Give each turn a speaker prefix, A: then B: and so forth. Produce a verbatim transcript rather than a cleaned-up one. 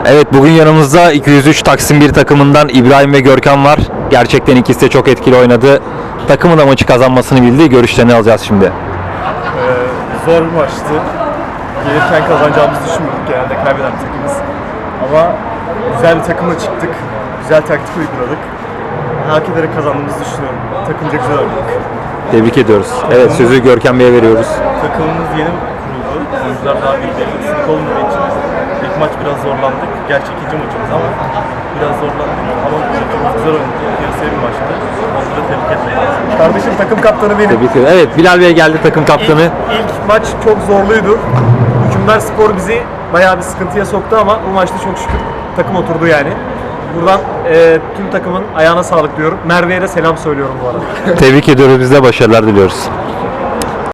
A: Evet, bugün yanımızda iki yüz üç Taksim bir takımından İbrahim ve Görkem var. Gerçekten ikisi de çok etkili oynadı. Takımın da maçı kazanmasını bildi. Görüşlerini alacağız şimdi.
B: Ee, zor bir maçtı. Gelirken kazanacağımızı düşünmüyorduk, genelde kaybeden bir takımız. Ama güzel bir takımla çıktık. Güzel taktik uyguladık. Hak ederek kazandığımızı düşünüyorum. Takımca güzel oynadık.
A: Tebrik ediyoruz. Evet, sözü Görkem Bey'e veriyoruz.
B: Takımımız yeni kuruldu. Oyuncular daha birbirlerine ısınık olmadığı için ilk maç biraz zorlandık. Gerçi ikinci maçımız ama biraz zorlandık. Ama takımımız güzel oynadı. Yarısıya bir maçtı. Onları tebrik etmek lazım. Kardeşim takım kaptanı benim.
A: Tebrik ediyoruz. Evet, Bilal Bey geldi, takım kaptanı.
B: İlk, ilk maç çok zorluydu. Hükümdar Spor bizi bayağı bir sıkıntıya soktu ama bu maçta çok şükür takım oturdu yani. Buradan e, tüm takımın ayağına sağlık diyorum. Merve'ye de selam söylüyorum bu arada.
A: Tebrik ediyoruz. Biz de başarılar diliyoruz.